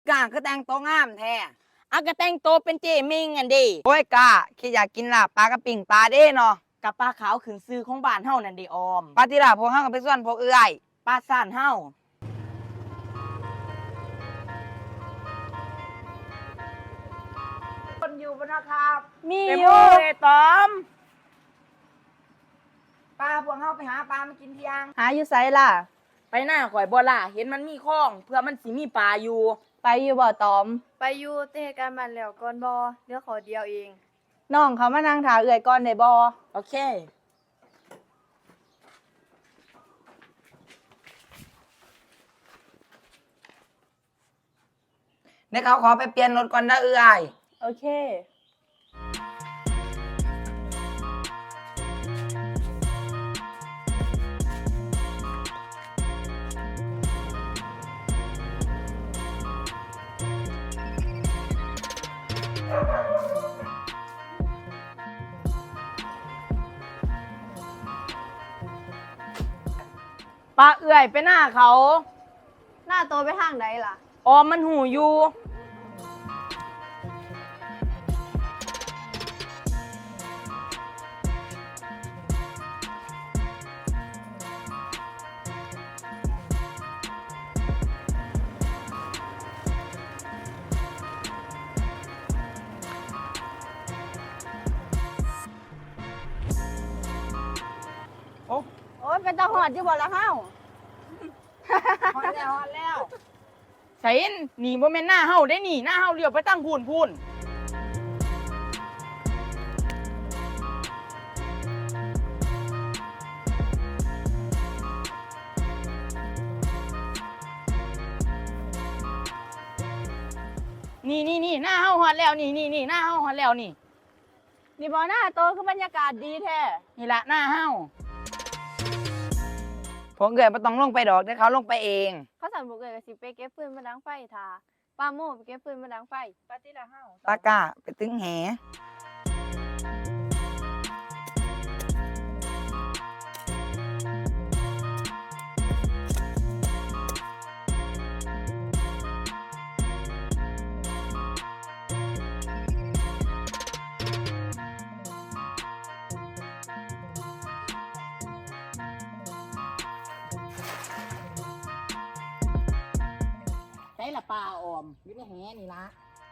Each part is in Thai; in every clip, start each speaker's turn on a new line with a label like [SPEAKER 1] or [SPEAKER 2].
[SPEAKER 1] กาก็แต่งตัวงามแท้
[SPEAKER 2] อากระแต่งโตเป็นเจมิงอันดี
[SPEAKER 1] โอ้ยกาแค่อยากกินลาบปลากระปิ่งปลาเด้เนาะ
[SPEAKER 2] กับปลาขาวขึ้นซื้อของบ้านเฮานั่นเดออม
[SPEAKER 1] ปลาที่ลาพวกห้างกับไปส่วนพวกเอื้อย
[SPEAKER 2] ปลาซ่านเฮา
[SPEAKER 1] คนอยู่บนนะครับ
[SPEAKER 2] มีอยู่เลยตอม
[SPEAKER 1] ปลาพวกห้าไปหาปลามากินเที่ยง
[SPEAKER 2] หาอยู่ไสล่ะ ไปหน้าข่อยบ่ล่ะเห็นมันมีคลองเพื่อมันสิมีปลาอยู่ไปอยู่บ่ตอม
[SPEAKER 3] ไปอยู่เตะกันมันแล้วก่อนบอเดี๋ยวขอเดียวเอง
[SPEAKER 2] น้องเขามานั่งถาเอื่อยก่อนได้บ่โอเค
[SPEAKER 1] เดี๋ยวเขาขอไปเปลี่ยนรถก่อนนะเอื้อย
[SPEAKER 2] โอเคปลาเอื่อยไปหน้าเขา
[SPEAKER 3] หน้าโตไปทางใดล่ะ
[SPEAKER 2] ออมมันหูอยู่
[SPEAKER 3] โอ้ยเป็นตาหอดอยู่บ่ละเฮา
[SPEAKER 1] ฮอดแล้วฮอดแล้ว
[SPEAKER 2] ใส่หนีบ่แม่นหน้าเฮาได้หนีหน้าเฮาเลี้ยวไปตั้งพูนนี่หน้าเฮาฮอดแล้วนี่หน้าเฮาฮอดแล้วนี่
[SPEAKER 3] นี่บ่หน้าโตคือบรรยากาศดีแท้
[SPEAKER 2] นี่ละหน้าเฮา
[SPEAKER 1] พวกเอื้อยไม่ต้องลงไปดอกเดี๋ยวเขาลงไปเอง
[SPEAKER 3] เขาสั่นบุกเกยก็สิไปเก็บฟืนมาดังไฟทาป้าโม่ไปเก็บฟืนมาดังไฟปาติละเฮา
[SPEAKER 1] ปลากาไปตึงแห
[SPEAKER 2] ใส่ละปลาออมอยู่ในแหนี่ละ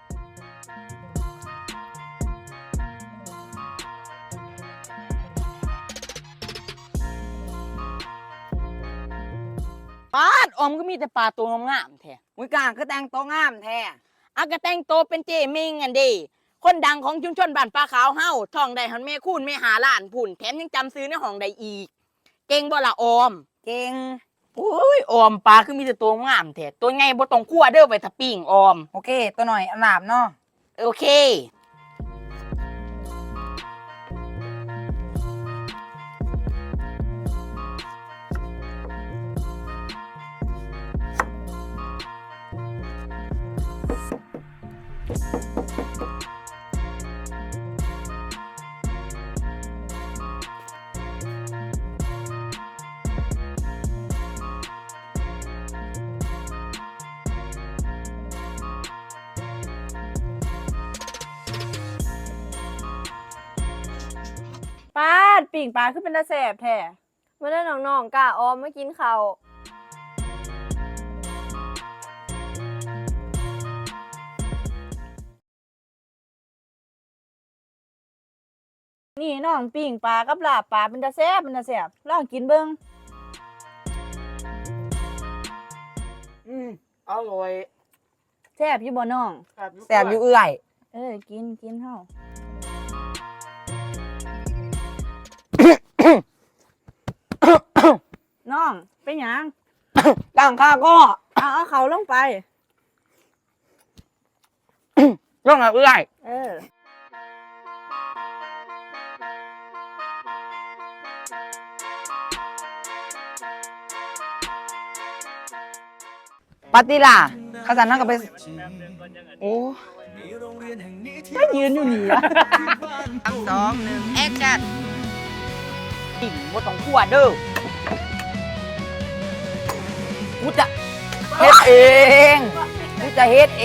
[SPEAKER 2] ปาดออมก็มีแต่ปลาตัวงามๆแท้
[SPEAKER 1] อุ้ยกาก็แต่งตัวงามแท้
[SPEAKER 2] อากระแต่งโตเป็นเจมิงอันดีคนดังของชุมชนบ้านปลาขาวเฮาท่องได้หันแม่คูณแม่หาล้านผุ่นแถมยังจำซื้อในห้องได้อีก เก่งบ่ละออม
[SPEAKER 1] เก่ง
[SPEAKER 2] โอ้ยออมปลาคือมีแต่ตัวงามแท้ตัวไงบ่ต้องคั่วเด้อไปถ้าปิ้งออม
[SPEAKER 1] โอเค ตัวหน่อยอันหลาบเนาะ
[SPEAKER 2] โอเค
[SPEAKER 3] ปาดปิ่งปลาคือเป็นตาแสบแท้มาได้น้องๆกะออมมากินข้าวนี่น้องปิ่งปลากับลาบปลาเป็นตาแสบลองกินเบิ่ง
[SPEAKER 2] อร่อย
[SPEAKER 3] แซ่บอยู่บ่น้อง
[SPEAKER 1] แสบอยู่เอื้อย
[SPEAKER 3] กินเฮา น้องเป็นหยัง
[SPEAKER 1] ตั้งข้าก็
[SPEAKER 3] เอาเขาลงไป
[SPEAKER 1] ลงกับเอื้อย ปาติล่ะข้าสันนั่งกับไปโอ้
[SPEAKER 2] ก็ยืนอยู่นี่อะ
[SPEAKER 1] 3 2 1แอคชั่น
[SPEAKER 2] กิ่งบ่ต้องคั่วเด้อกูจะ
[SPEAKER 1] เฮ็ดเองกูจะเฮ็ดเอง